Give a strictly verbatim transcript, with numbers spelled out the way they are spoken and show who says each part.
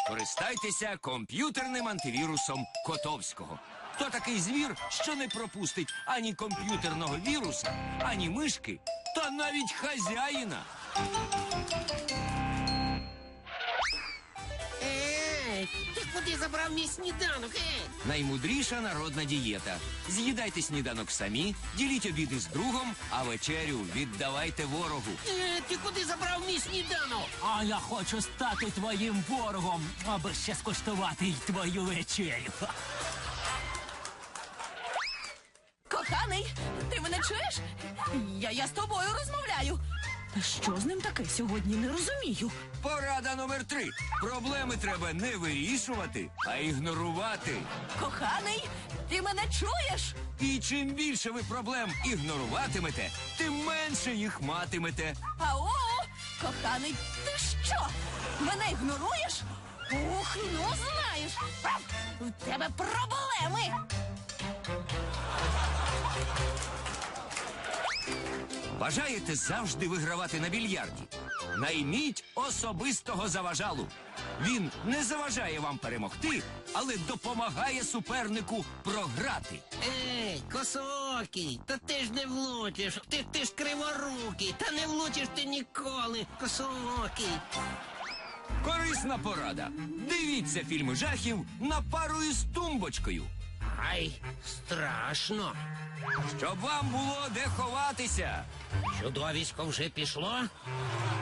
Speaker 1: Скористайтеся комп'ютерним антивірусом Котовського. То такий звір, що не пропустить ані комп'ютерного віруса, ані мишки, та навіть хазяїна.
Speaker 2: Ей, ти куди забрав мій сніданок, ей?
Speaker 1: Наймудріша народна дієта. З'їдайте сніданок самі, діліть обіди з другом, а вечерю віддавайте ворогу.
Speaker 2: Е, ти куди забрав мій сніданок?
Speaker 3: А я хочу стати твоїм ворогом, аби ще скуштувати й твою вечерю.
Speaker 4: Коханий, ти мене чуєш? Я, я з тобою розмовляю. Та що з ним таке сьогодні, не розумію.
Speaker 1: Порада номер три. Проблеми треба не вирішувати, а ігнорувати.
Speaker 4: Коханий, ти мене чуєш?
Speaker 1: І чим більше ви проблем ігноруватимете, тим менше їх матимете.
Speaker 4: Ау, коханий, ти що? Мене ігноруєш? Ух, ну знаєш, в тебе проблеми.
Speaker 1: Бажаєте завжди вигравати на більярді? Найміть особистого заважалу. Він не заважає вам перемогти, але допомагає супернику програти.
Speaker 2: Ей, косоокий, та ти ж не влучиш, ти, ти ж криворукий, та не влучиш ти ніколи, косоокий.
Speaker 1: Корисна порада. Дивіться фільми жахів на пару із тумбочкою.
Speaker 2: Ай, страшно.
Speaker 1: Щоб вам було де ховатися.
Speaker 2: Чудовисько вже пішло?